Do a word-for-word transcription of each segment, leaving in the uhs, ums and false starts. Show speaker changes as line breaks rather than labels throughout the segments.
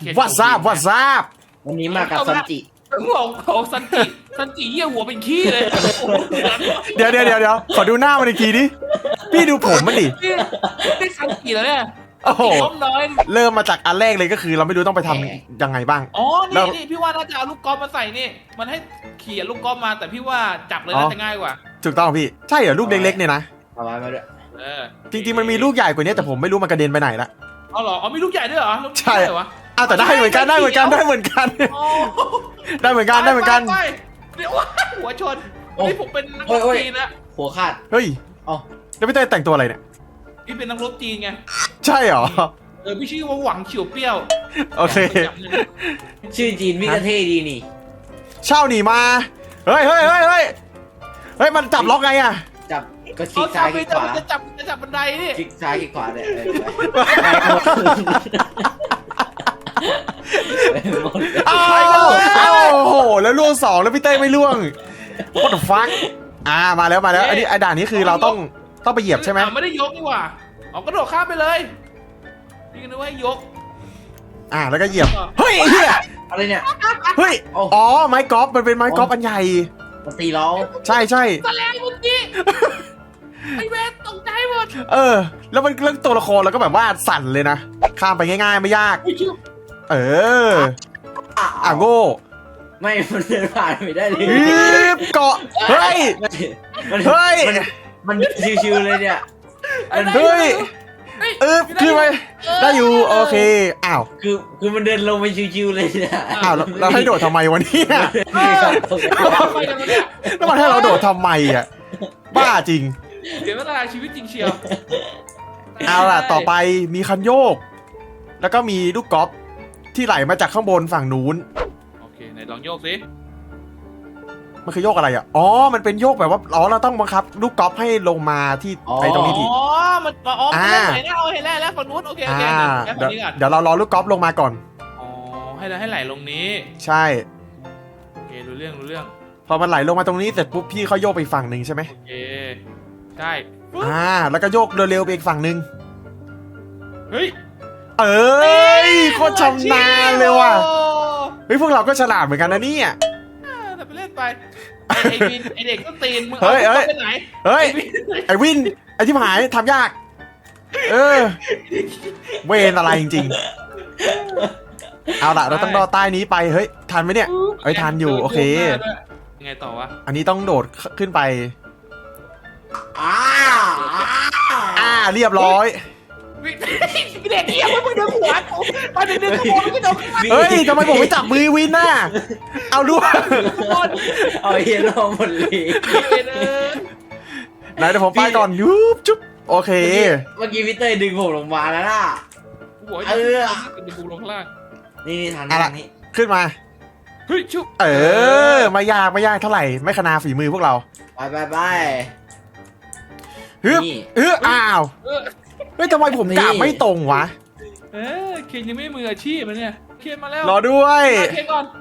ว่าซาบว่าซาบ
วันนี้มากับซันจิ
หัวของซันจิซันจิเยี่ยหัวเป็นขี้เลย
เดี๋ยวเดี๋ยวเดี๋ยวเดี๋ยวขอดูหน้ามันอีกทีดิพี่ดูผมมันดิ
นี่ซันจิแล้วเนี่ย
โอ้โห
น้อย
เริ่มมาจากอันแรกเลยก็คือเราไม่รู้ต้องไปทำยังไงบ้าง
อ๋อนี่นี่พี่ว่าน่าจะเอาลูกกอล์ฟมาใส่นี่มันให้เขี่ยลูกกอล์ฟมาแต่พี่ว่าจับเลยน่าจะง่ายกว่า
ถูกต้องพี่ใช่เหรอลูกเล็กๆเนี่ยนะ
เอาไว้มาด้วย
จริงๆมันมีลูกใหญ่กว่านี้แต่ผมไม่รู้มันกระเด็นไปไหนละ
อ๋อเหรออ๋อมีลูกใหญ่ด้วยเหรอ
ใช่เหรออ้าวแต่ได้เหมือนกันได้เหมือนกันได้เหมือนกันได้เหมือนกันได้เหมือนกัน
เดี๋ยวหัวชนนี่ผมเป็นนักรบจีนนะ
หัวขาด
เฮ้ยอ๋อแล้วพี่เต้แต่งตัวอะไรเนี่ย
พี่เป็นนักรบจีนไง
ใช่เหรอ
เออพี่ชื่อว่าหวังเฉียวเปี้ยว
โอเค
ชื่อจีนพี่ก็เท่ดีนี่
เช่าหนีมาเฮ้ยเฮ้ยเฮ้ยเฮ้ยเฮ้ยมันจับล็อกไงอะ
จับก็คลิกซ้ายคลิกขวา
จะจับจะจับบันไดนี่
คลิกซ้ายคลิกขวาเนี่ย
อ้าวโอ้โหแล้วล่วงสองแล้วพี่เต้ไม่ล่วง what the fuck อ่ามาแล้วมาแล้วอันนี้ไอ้ด่านนี้คือเราต้องต้องไปเหยียบใช่ไหม
ไม่ได้ยกนี่หว่าเอากระโดดข้ามไปเลยนี่นึกว่ายก
อ่าแล้วก็เหยียบเฮ้ยเฮีย
อะไรเนี่ย
เฮ้ยอ๋อไม้กอล์ฟมันเป็นไม้กอล์ฟอันใหญ่
ตีล้อ
ใช่ใช่
แสลงเมื่อกี้ไอเวทตกใจหมด
เออแล้วมันเรื่องตัวละครเราก็แบบว่าสั่นเลยนะข้ามไปง่ายๆไม่ยากเอออ่ะโง่
ไม่มันเดินผ่านไม่ได้เลย
เกาะเฮ้ยเฮ้ย
มันชิวๆเลยเนี่ย
เฮ้ยเออคือไปได้อยู่โอเคอ้าว
คือคือมันเดินลงไปชิวๆเลยเนี่ย
อ้าวเราให้โดดทำไมวะเนี่ยแล้วมันให้เราโดดทำไมอ่ะบ้าจริง
เดี๋ยวเวลาชีวิตจริงเชียว
เอาล่ะต่อไปมีคันโยกแล้วก็มีลูกกอล์ฟที่ไหลมาจากข้างบนฝั่งนู้น
โอเคไหนลองโยกสิ
มันคือโยกอะไรอ่ะอ๋อมันเป็นโยกแบบว่าอ๋อเราต้องบังคับลูกกอล์ฟให้ลงมาที่ไอ้ตรงนี้ที
อ๋อมันอ๋อมันไหนนะเอาเห็นแล้วแล้วฝั่งนู้นโอเคโอเค
เดี๋ยวเดี๋ยวเรารอลูกกอล์ฟลงมาก่อน
อ๋อให้เราให้ไหลลงนี้
ใช่
โอเครู้เรื่องรู้เรื่อง
พอมันไหลลงมาตรงนี้เสร็จปุ๊บพี่เขาโยกไปฝั่งหนึ่งใช่ไหม
โอเคใช่
อ่าแล้วก็โยกเร็วๆไปอีกฝั่งหนึ่ง
เฮ้ย
เอ้ยโคตรชำนาญเลยว่ะเฮ้ยพวกเราก็ฉลาดเหมือนกันนะเนี่ย
แต่ไปเล่นไปไอ้วินไอเด็กก็ตีนมึงเอาไปไหน
เฮ้ยไอวินไอที่หายทำยากเออเวรอะไรจริงๆเอาล่ะเราต้องรอใต้นี้ไปเฮ้ยทันไหมเนี่ยเฮ้ยทันอยู่โอเค
ยังไงต่อวะ
อันนี้ต้องโดดขึ้นไป
อ่า
อ่าเรียบร้อย
เด็กเหี้ยมึงดึงหัวมาดึงดึงหัวมึงโดน
เฮ้ยทำไมผมไม่จับมือวินน่ะเอาด้วย
เอาเฮียโร่หมดเลย
ไหนเดี๋ยวผมไปก่อนยุบจุ๊บโอเค
เมื่อกี้พี่เต้ดึงผมลงมาแล้วน่ะ
เออดึงกูลงข้างล่าง
นี่นี่ทางนี้
ขึ้นมา
เฮ้ยชุบ
เออไม่ยากไม่ยากเท่าไหร่ไม่ขนาฝีมือพวกเรา
ไปไปไป
ฮึบเอออ้าวเฮ้ยทำไมผมกะไม่ตรงวะ
เออเคนยังไม่มืออาชีพมันเนี่ยเคนมาแล้ว
รอด้วย
เคนก่อน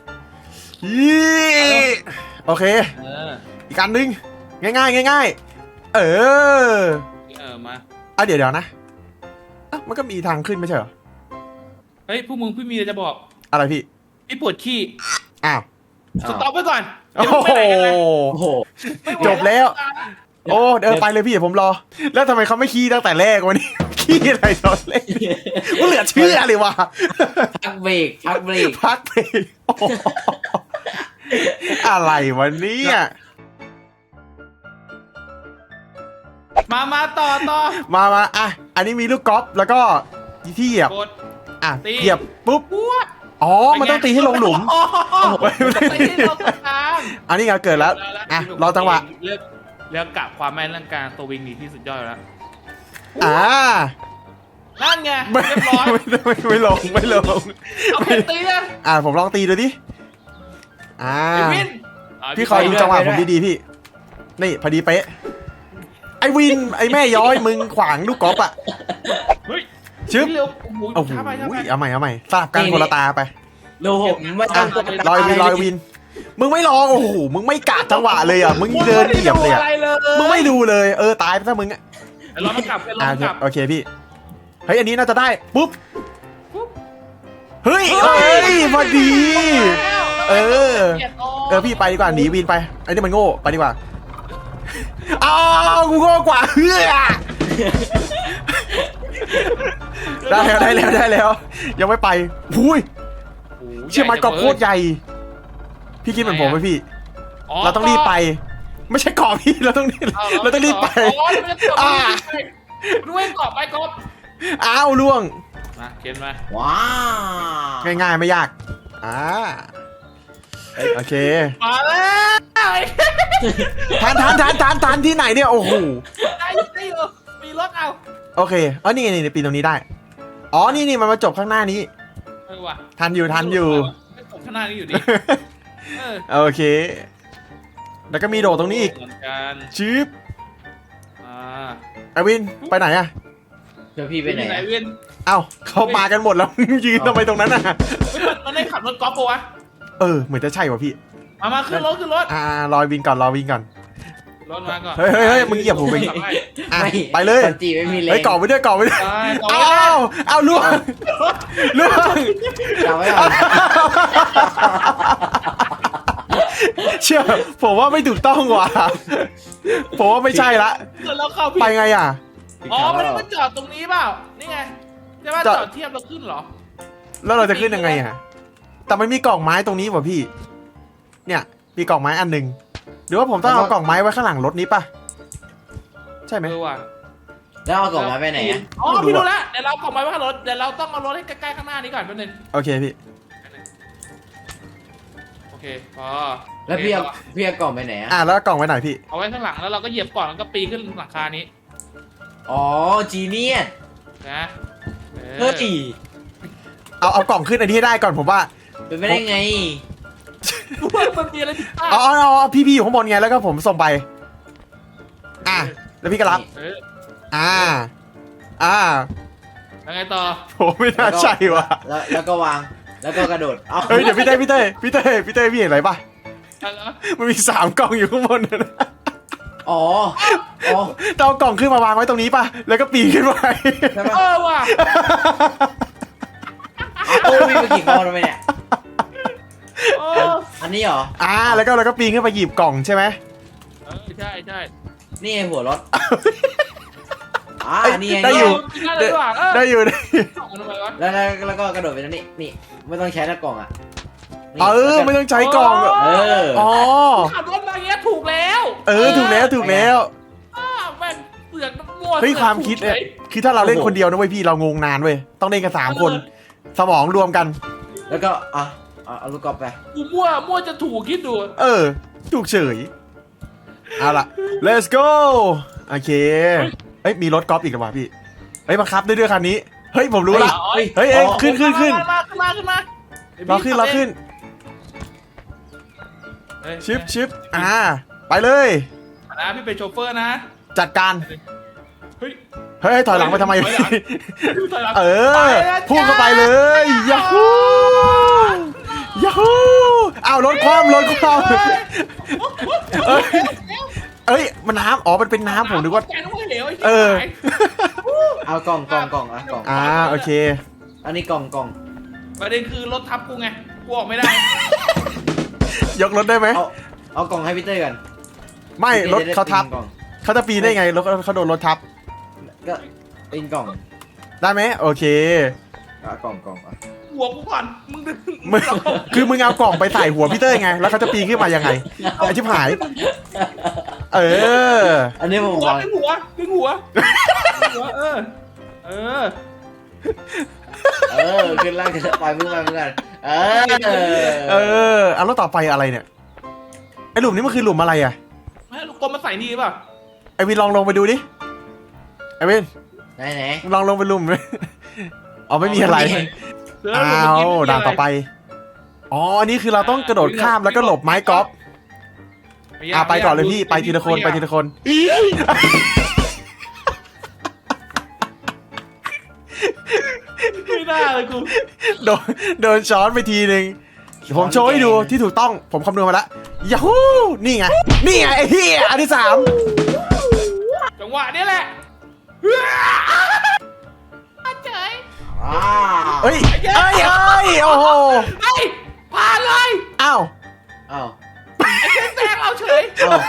ยี่โอเคอีกอันนึงง่ายง่ายง่ายเออ
เออมา
อ่ะเดี๋ยวเดี๋ยวนะอ่ะมันก็มีทางขึ้นไม่ใช่เหรอ
เฮ้ยพวกมึงพี่มีอะไรจะบอก
อะไรพี่
พี่ปวดขี้
อ้าว
สต็อปไว้ก่อน
โอ้โหจบแล้วโอ้เดินไปเลยพี่ผมรอแล้วทำไมเขาไม่ขี้ตั้งแต่แรกวันนี้ขี้อะไรตอนแรกกูเหลือเชื่อเลยว่ะ
พักเบรกพักเบรก
พักเบรกอะไรวันนี้
มามาต่อต่อ
มามาอ่ะอันนี้มีลูกกอล์ฟแล้วก็ที่เหยียบอ่ะเหยียบปุ๊บอ๋อมันต้องตีให้ลงหลุมอันนี้ไงเกิดแล้วอ่ะรอจังหวะ
เรื่องกับความแม่นเรื่องการตัววิ่งหนีที่สุดยอดแล้ว
อ่า
นั่นไงเรียบร้อย
ไม่ไม่ลงไม่ลง
เอาไปตีนะ
อ่าผมลองตีดูดิอ่าพี่คอยดูจังหวะผมดีๆพี่นี่พอดีเป๊ะไอวินไอแม่ย้อยมึงขวางลูกกอล์ฟอ่ะ
เฮ้ย
ชึบโอ้โหเอาใหม่เอาใหม่สลับกันคนละตาไป
โลผมไม่ต้อง
ลอยวินลอยวินมึงไม่ลองโอ้โหมึงไม่กะจังหวะเลยอ่ะมึงเดินเหยียบเลยอ่ะมึงไม่ดูเลยเออตายไปซะมึงอ่ะ
รอมันกลับรอมันกลับ
โอเคพี่เฮ้ยอันนี้น่าจะได้ปุ๊บเฮ้ยเอ้ยพอดี เออ เออพี่ไปดีกว่าหนีวินไปไอ้นี่มันโง่ไปดีกว่าอ้าวกูโง่กว่าเฮ้ยได้แล้วได้แล้วได้แล้วยังไม่ไปหุยเชื่อมันกรอบโคตรใหญ่พี่คิดเหมือนผมไหมพี่เราต้องรีบไปไม่ใช่กรอบพี่เราต้องรีบเราต้องรีบไปอ่า
ด้วยเกาะไปกบ
อ้าวล่วง
มาเข็นมา
ว้าว
ง่ายๆไม่ยากอ่าโอเค
มาแล้ว
ทานทานทานทานทานที่ไหนเนี่ยโอ้โห
ได้ได้อยู่มีรถเอา
โอเคอ๋อนี่ไงนี่ปีนตรงนี้ได้อ๋อนี่นี่มันมาจบข้างหน้านี้
เออว่ะ
ทันอยู่ทันอยู่
ไม่ตกข้างหน้านี้อยู่ดิเออ
โอเค แล้วก็มีโดดตรงนี้อีก
เหมือนกัน
ชิป
อ่า
ไอวินไปไหนอะ
เดี๋ยวพี่ไปไหน
ไหน
อะ
เวียน
เอ้าเขามากันหมดแล้ว ยืนทำไมตรงนั้นอะ
เฮ้ยมันมันได้ขับรถกอล์ฟปะวะ
เออเหมือนจะใช่ว่ะพี่
มามาขึ้นรถขึ้นรถ
อ่ารอวินก่อนรอวินก่อน
รถมาก่อน
เฮ้ยเฮ้ยเฮ้ยมึงเหยียบหูไป
ขับให้
อ่ะไปเลย
สันจีไม่มีแรง
เฮ้ยเกาะไปด้วยเกาะไปด้วย
ไปต่อ
เอ้า
ไปแล้ว
เอ้าล่วงล่วง
จำไว้ก่อน
เชื่อผมว่าไม่ถูกต้องว่ะผมว่าไม่ใช่ละ
แล้วเข้าผิด
ไปไงอ่ะ
อ๋อไม่ได้มาจอดตรงนี้เปล่านี่ไงใช่ป่ะ
จอด
จอดเทียบแล้วขึ้นเหรอ
แล้วเราจะขึ้นยังไงอ่ะแต่มันมีกล่องไม้ตรงนี้ว่ะพี่ เนี่ยมีกล่องไม้อันหนึ่งหรือว่าผมต้องเอากล่องไม้ไว้ข้างหลังรถนี้ป่ะใช่ไหม
เออว่ะ
แล้วเอากล่องมาไปไหนอะ
อ๋อพี่รู้แล้วเดี๋ยวเรากล่องไม้ไว้ข้างรถเดี๋ยวเราต้องเอารถให้ใกล้ๆข้างหน้านี้ก่อนแป๊บนึง
โอเคพี่
โอเคพอ
แล้วพี่เอาพี่เอากล่องไปไหนอะ
อ่ะแล้วกล่องไว้ไหนพี่
เอาไว้ข้างหลังแล้วเราก็เหยียบก่อนแล้วก็ปีนขึ้นหลังคานี้
อ๋อจีเนียส
นะออ
เฮ้ย
เอาเอากล่องขึ้นอันนี้ให้ได้ก่อนผมว่า
เป็นไปได้ไง
มันมีอะไรผิดพลาด
เอาเอาเอาเอาพี่พี่อยู่ข้างบนไงแล้วก็ผมส่งไป อ่ะแล้วพี่ก็รับ
เออ
อ่า อ่า
แล้วไงต่อ
ผมไม่น่าใช่ว่ะ
แล้วแล้วก็วางแล้วก็กระโดดเอา
เฮ้ยเดี๋ยวพี่เต้พี่เต้พี่เต้พี่เต้พี่เห็นอะไรป่ะ
แล้ว
มันมีสามกล่องอยู่ข้างบนนะ
อ๋ออ๋อ
ต้องเอากล่องขึ้นมาวางไว้ตรงนี้ป่ะแล้วก็ปีนขึ้นไป
ใช่ปะ
เออว่ะ
โอ้ยมีไปกี่ก้อนแล้วเนี่ย
โอ้
อันนี้เหรอ
อ่าแล้วก็เราก็ปีนขึ้นไปหยิบกล่องใช่ไหม
เออใช่ใช่
นี่ไงหัวรถอ่านี่ไง
ได้อยู่
ได้เลยว่ะเออ
ได้อยู่ได้อยู่
เอาทำไมวะ
แล้วแล้วแล้วก็กระโดดไปตรงนี้นี่ไม่ต้องใช้หน้ากล่องอ่ะนี่
เออไม่ต้องใช้กล่อง
เออ
อ๋อ
ขับรถมาอย่างเงี้ยถูกแล้ว
เออถูกแล้วถูกแล้ว
อ้าวแม่งเสือกมั่ว
เฮ้ยความคิดเนี่ยคือถ้าเราเล่นคนเดียวนะเว้ยพี่เรางงนานเว้ยต้องเล่นกันสามคน สมองรวมกัน
แล้วก็อ่ะเอาเอาลูกกอล์ฟไป
กูมั่วมั่วจะถูกคิดดู
เออถูกเฉยเอาล่ะ let's go โอเคเฮ้ยมีรถกอล์ฟอีกหรือเปล่าพี่เฮ้ยบังคับได้ด้วยคันนี้เฮ้ยผมรู้ละ
เฮ้ย
เฮ้ยเอ้ยขึ้นขึ้นขึ้น
มาขึ้นมาขึ้นมา
เราขึ้นเราขึ้น
เฮ้ย
ชิปชิปอ่าไปเลย
นะพี่เป็นโชเฟอร์นะ
จัดการ
เฮ้ย
เฮ้ยถอยหลังไปทำไม
ถอยหลัง ถอยหลัง
เออ
ไปแล้ว
พุ่งเข้าไปเลยยาฮูยาฮูอ้าวรถคว่ำรถคว่ำเอ้ยเอ้ยมันน้ำอ๋อมันเป็นน้ำผมนึกว่า
แกนึกว่าเหลวไอ้
เออ
เอากล่องกล่องกล่องอ่ะกล่อง
อ่าโอเค
อันนี้กล่องกล่อง
ประเด็นคือรถทับกูไงกูออกไม่ได้
ยกรถได้ไหม
เอาเอากล่องให้พี่เต้ยกัน
ไม่รถเขาทับ
กล่อง
เขาจะปีนได้ไงรถเขาโดนรถทับ
ก็ปีนกล่อง
ได้ไหมโอเค
อ่ะกล่องกล่องอ่ะ
หัวกูก่อนมึงดึง
มึงคือมึงเอากล่องไปใส่หัวพี่เต้ยไง แล้วเขาจะปีนขึ้นมายังไงไอชิบหาย เออ
อันนี้ผม
หัว
วาง
ดึงหัวดึงหัวดึงหัวเออเออ
เออขึ้นล่างขึ้นไปมึงไปมึงกันเออ
เออเอาแล้วต่อไปอะไรเนี่ยไอหลุมนี้มันคือหลุมอะไรอ่ะ
ไม่ลูกกลมมาใส่นี่ป่ะ
ไอวินลองลงไปดูดิไอวิน
ไหนไหน
ลองลงไปหลุมไหมอ๋อไม่มีอะไรอ้าวด่านต่อไปอ๋ออันนี้คือเราต้องกระโดดข้ามแล้วก็หลบไม้กอล์ฟอ่ะไปก่อนเลยพี่ไปทีละคนไปทีละคน
ไม่ได้เลยกู
โดนโดนช้อนไปทีนึงผมโชว์ให้ดูที่ถูกต้องผมคำนวณมาแล้วยาฮูนี่ไงนี่ไงไอ้เหี้ยอันที่สาม
จังหวะนี้แหละเฉย
อ่า
เฮ้ยเอ้ยเอ้ยโอ้โห
ไอ้ผ่านเลย
อ้าว
อ้าว
ไอ้เจ๊แซงเราเฉย
อ้าว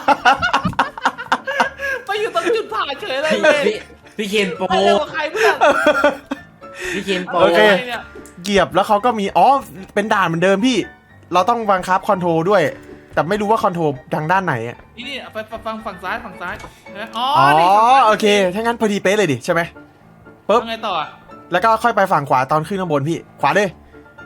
ไปอยู่ตรงจุดผ่านเฉยเลย
พี่
เว้ย
พี่พี่เคนโป
ไปเร็วกว่าใครเพื่อน
พี่เคนโป
โอเค
อะไรเนี่ย
เหยียบแล้วเขาก็มีอ๋อเป็นด่านเหมือนเดิมพี่ เราต้องบังคับคอนโทรลด้วย แต่ไม่รู้ว่าคอนโทรลทางด้านไหนอะ
นี่นี่ไปฟังฝั่งซ้ายฝั่งซ้ายนะอ๋อ
อ๋อ
นี่
โอเคถ้างั้นพอดีเป๊ะเลยดิใช่ไหมปุ๊บ
ทำไงต่ออ่ะ
แล้วก็ค่อยไปฝั่งขวาตอนขึ้นข้างบนพี่ ขวาเลย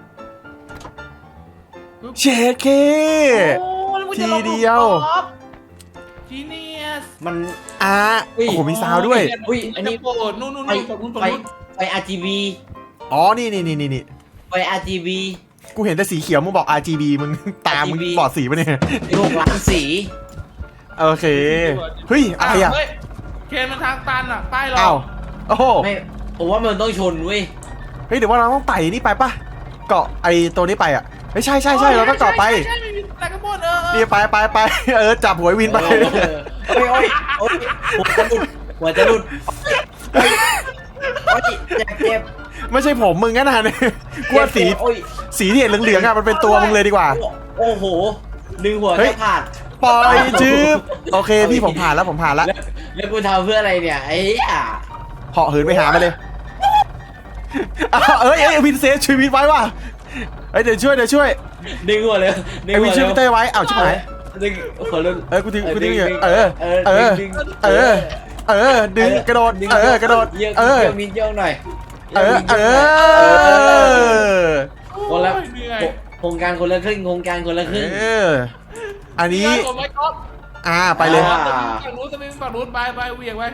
เชดเค
โอ้แล้วมึง
ที
จะลง
เดียว
จีเนียส
มัน
อ่ะ
อุ้ย
โอ้โหมีซาวด์ด้วย
อุ้ยอันนี้
โปรดนู่นนู่น
ไฟ
นู่นนู่น
ไฟ
นู่น
ไฟ อาร์ จี บี
อ๋อนี่นี่นี่นี่นี่
ไฟ อาร์ จี บี
กูเห็นแต่สีเขียวมึงบอก อาร์ จี บี มึงตามมึง
อาร์ จี บี
บอดสีปะเนี่ย
หกล้านสี
โอเคเฮ้ยอะไรอ่ะ
เฮ้ยเคนมันทางตันอ่ะป้ายเรา
อ้าวโอ้โห
ไม่ผมว่ามันต้องชนเว้ย
เฮ้ยเดี๋ยวว่าเราต้องไต่นี่ไปปะเกาะไอตัวนี้ไปอ่ะเฮ้ยใช่ใช่ใช่เราต้องเกาะไป
ใช่ใช่ใช่มีแต่กระโปรงเออเออ
นี่ไปไปไปเออจับหัวไอ้วินไป
เออโอ้ยโอ้ยโอ้ยหัวจะหลุดหัวจะหลุดโอ้ยโอ้ยเจ็บเจ็บ
ไม่ใช่ผมมึงงั้นนะเนี่ยกูว่าสี
โอ้ย
สีที่เห็นเหลืองๆอ่ะมันเป็นตัวมึงเลยดีกว่า
โอ้โหดึงหัว
เฮ้ย
แค่ขาด
ปล่อยจืบโอเคพี่ผมผ่านแล้วผมผ่านแล้ว
แล้วแล้วกูทำเพื่ออะไรเนี่ยไอ้เหี้ย
เหาะเหินไปหามาเลยอ้าวเอ้ยเอ้ยวินเซฟชีวิตไว้ว่ะเอ้ยเดี๋ยวช่วยเดี๋ยวช่วย
ดึงหัวเลยดึง
ไอ้
หั
วิ
วน
ช่วย
เร็ว
พี่เต้ยไว้อ้าวชิบหาย
ดึงหัวเร็ว
เอ้ยกูดึงกูดึงอยู่
ดึ
เออ
เออ
เออ
ดึง
เออเออดึงกระโดด
ดึง
เออกระโดด
เยอะ
เออ
เยอะมิดเยอะหน่อย
เออเออ
คนละ
โอ้ยเหนื่อย
โครงการคนละครึ่งโครงการคนละครึ่ง
เอออันนี้
เหนื่อยกว่าไมค์ก๊อฟ
อ่าไปเลย
อ่า
ฝั่งนู้นจะมีฝั่งนู้นไปไปเหวี่ยงไป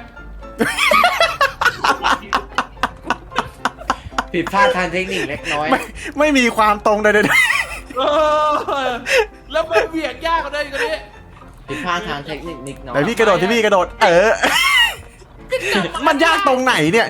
ผิดพลาดทางเทคนิคเล็กน้อย
ไม่ไม่มีความตรงใด
เออแล้วมันเหวี่ยงยากกว่าเดิมอีกกว่านี้
ผิดพลาดทางเทคนิคนิดน้
ๆ
อย
ไหนพี่กระโดดที่พี่กระโดด เออ มันยากตรงไหนเนี่ย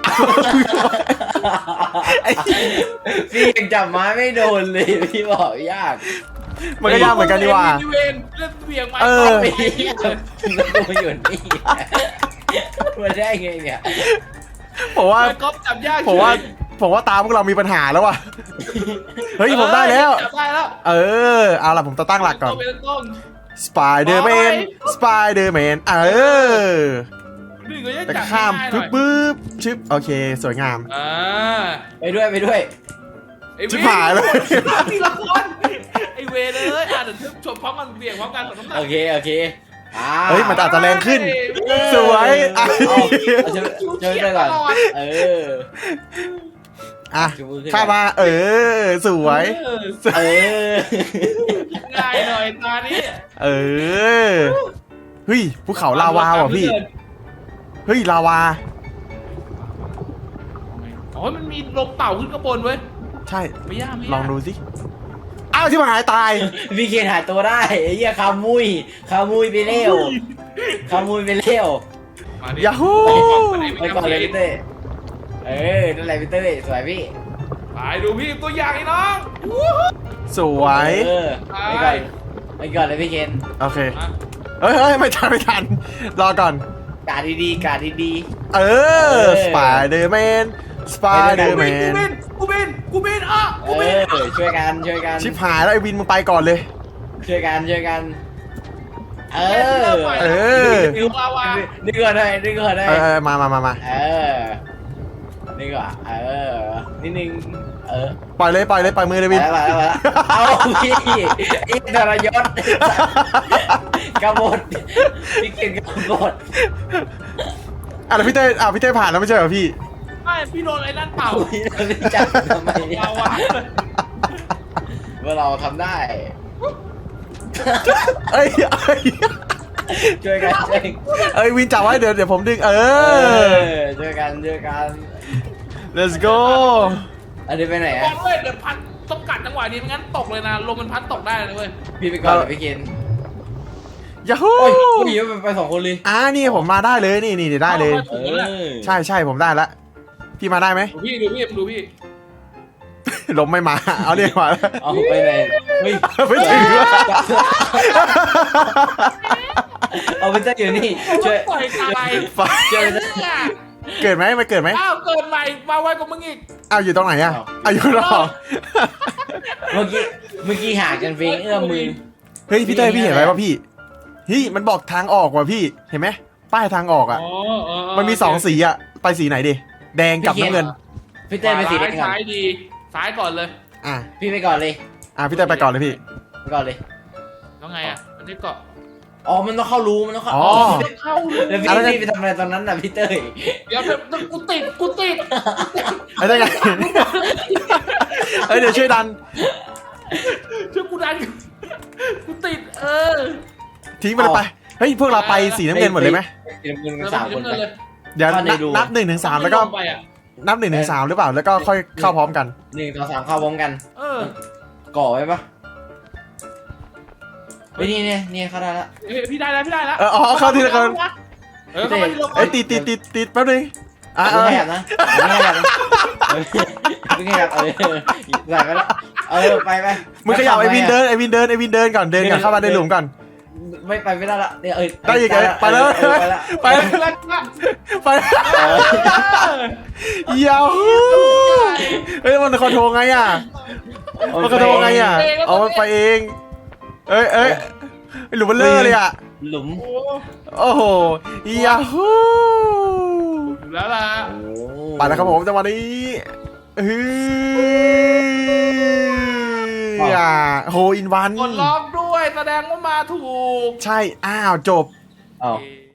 ไอ้
พี่ยังจับไม้ไม่โดนเลยพี่บอกยาก
มันก็ยากเหมือนกันดีว่า
เวนเล่นเหวี่ยงไมค์
เอ
ก๊อ
อ
ฟ
ไม่แล้วกูมาอยู่นี่มาได้ไงเนี่ย
ผมว่า
ไมค์ก๊อฟจับยาก
ผมว่าผมว่าตาพวกเรามีปัญหาแล้วว่ะ เฮ้ยผมได้แล้ว
จับได้แล้ว
เออเอาล่ะผมจะตั้งหลักก่อน
ตัวเป็นต้น
สไปเดอร์แมน สไปเดอร์แมน เออ
นี่ก็ยัง
แต่
จับ
ข้าม
ง่ายๆหน่
ปึ๊
อบ ย
ปึ๊บชึบโอเคสวยงาม
อ่า
ไปด้วยไปด้วย
ไอ้เว
ชิบหายเลย
ทีละคนไอ้เวเลยอ่ะเดี๋ยวชมพร้อมกันเบี่ยงพร้อมกันสองน้ำหนัก
โอเคโอเคอ่า
เฮ้ยมันอาจจะแรงขึ้น สวยอ่ะ
เอาเอาจะจะไปก่อนเออ
อ่ะ
ชูมือขึ้น
ข้ามา เออ สวย
เออ
เออ
ง่ายหน่อยตานี้
เออ เฮ้ยภูเขาลาวาว่ะพี่ เฮ้ยลาวา
อ๋อมันมีลมเป่าขึ้นข้างบนเว้ย
ใช่
ไม่ยากไม่ยาก
ลองดูสิ อ้าวที่มันหายตาย
พี่เคนหายตัวได้ไอ้เหี้ยคามุยคามุยไปเร็วคามุยไปเร็ว
มาดิ
ยาฮู
ไปก่อนเลยพี่เต้เออนั่นแหละพี่เต้สวยพี่
ไปดูพี่ตัวอย่างไอ้น้อง
สวย
เออไปก่อนไปก่อนเลยพี่เคน
โอเค
อ่ะ
เฮ้ยเฮ้ยไม่ทันไม่ทัน รอก่อน
กาดดีๆกาดดี
เออ สไปเดอร์แมน สไปเดอร์แม
กู
น
บินกูบินกูบินอ่ะ
ๆ
กู
เอ
บิน
อช่วยกันช่วยกัน
ชิบหายแล้วไอ้วินมึงไปก่อนเลย
ช่วยกันช่วยกันเออ
เออ
ฟิวลาวา
ดึงก่อนหน่อยดึงก่อนหน่อย
เออเออมามามามา
เออดึงก่อนเออนิดนึงเออ
ปล่อยเลยปล่อยเลยปล่อยมือเลย
ไป
วิน
แล้วไปแล้วไปแล้วเอาพี่อีกทรยศกบฏพี่เก่งกบฏ
อ่ะแล้วพี่เต้อ่ะพี่เต้ผ่านแล้วไม่ใช่เหรอพี่
ไม่พี่โดนไอ้นั่นเป่า
พี่เราไม่จับทำไมเนี่ย
ลาวา
ว่าเราทำได้
เอ้ยเอ้ย
ช่วยกันช่วย
เอ้ยวินจับไว้เดี๋ยวเดี๋ยวผมดึงเอ
เอ
อ
อช่วยกันช่วยกัน
let's go
อันนี้ไปไหน
บอ
อะ
ลเว้ยเดี๋ยวพัดต้องกัดจังหวะนี้ไม่งั้นตกเลยนะลมมันพัดตกได้เลยเว้ย
พี่ไปก่อนเลยพี่เคน
ยาฮู
โอ้ยพี่ไปไปสองคนเลย
อ่านี่ผมมาได้เลยนี่นี่ได้เลย
เออ
ใช่ใช่ผมได้ละพี่มาได้ไหม
ดูพี่ดูพี่ดูพี่
ลมไม่มา เอาเรียกมาแล้ว
เอาไปไหนเฮ้ย
ไม่ถึงว่ะ
เอาไปเต้อยู่นี่ช่วย
ปล่อยตาย
ไฟ
ช่วยไปเต้
เกิดไหมมันเกิดไหม
อ้าวเกิดใหม่มาไวกว่ามึงอีก
อ้าวอยู่ตรงไหนอะอ้าวอยู่รอบ
เมื่อกี้เมื่อกี้ห่างกันเพียงเอื้อมมือ
เฮ้ยพี่เต้ยพี่เห็นไหมว่าพี่เฮ้ยมันบอกทางออกว่ะพี่เห็นไหมป้ายทางออกอะ
อ๋อเออเ
มันมีสองสีอะไปสีไหนดิแดงกับน้ำเงิน
พี่เต้ยไปสีแดงก่อน
ซ้ายดีซ้ายก่อนเลย
อ่ะ
พี่ไปก่อนเลย
อ่ะพี่เต้ยไปก่อนเลยพี่
ไปก่อนเลย
แล้วไงอ่ะมันได้เกาะ
อ๋อมันต้องเข้ารูมันต้องเข้า
อ๋อ
เข้าเลย
แล้วพี่
อะไรกัน
พี่ไปทำอะไรตอนนั้นน่ะพี่เต้ย
เดี๋ยวเดี๋ยวกูติดกูติด
ไอ้ได้ไง เอ้ยเดี๋ยวช่วยดัน
ช่วยกูดันกูติดเออ
ทิ้งไปเลยไปเฮ้ยพวกเราไปสีน้ำเงินหมดเลยไหม
สีน้ำเงิน
แล้ว
สามคน
เงิ
ไป
นเลย
เดี๋ยว
เข้าใน
นับ
รู
นับหนึ่งถึงสามแล้วก็
ไปอ่ะ
นับหนึ่งถึงสามหรือเปล่าแล้วก็ค่อยเข้าพร้อมกัน
หนึ่งสองสามเข้าพร้อมกัน
เออ
ก่อไว้ปะเฮ้ยนี่เนี่ยนี่เข้าได้ละ
เฮ้ยพี่ได้แล้วพี่ได้แล้ว
เอออ๋อเข้าทีละคน
เออเข้ามาทีละคน
เอ้ยติดติดติดติดแป๊บนึงอ่ะ
ไม่
เออ
ขยับนะไม่ขยับนะไม่ขยับเออใส่ไปแล้วเออไปไป
มึงขยับไอวินเดินไอวินเดินไอวินเดินก่อนเดินก่อนเข้ามาในหลุมก่อน
ไม่ไปไม่ได้ละเนี่ยเออ
ได้อีกเลยไปแล้ว
เออไปแล้ว
ไป
ไปแล้วนะ
ไปยาวเฮ้ยมันคอนโทรลไงอ่ะมันคอนโทรลไงอ่ะเอามันไปเองเอ้ยเอ้ยหลุมมันเลอะเลยอ่ะ
หลุม
โอ้
โอ้โหยาฮู
อยู่แล้วล่ะ
ไปแล้วครับผมจังหวะนี้ฮือโฮอินวัน
กดล็อกด้วยแสดงว่ามาถูก
ใช่อ้าวจบ
อ้าว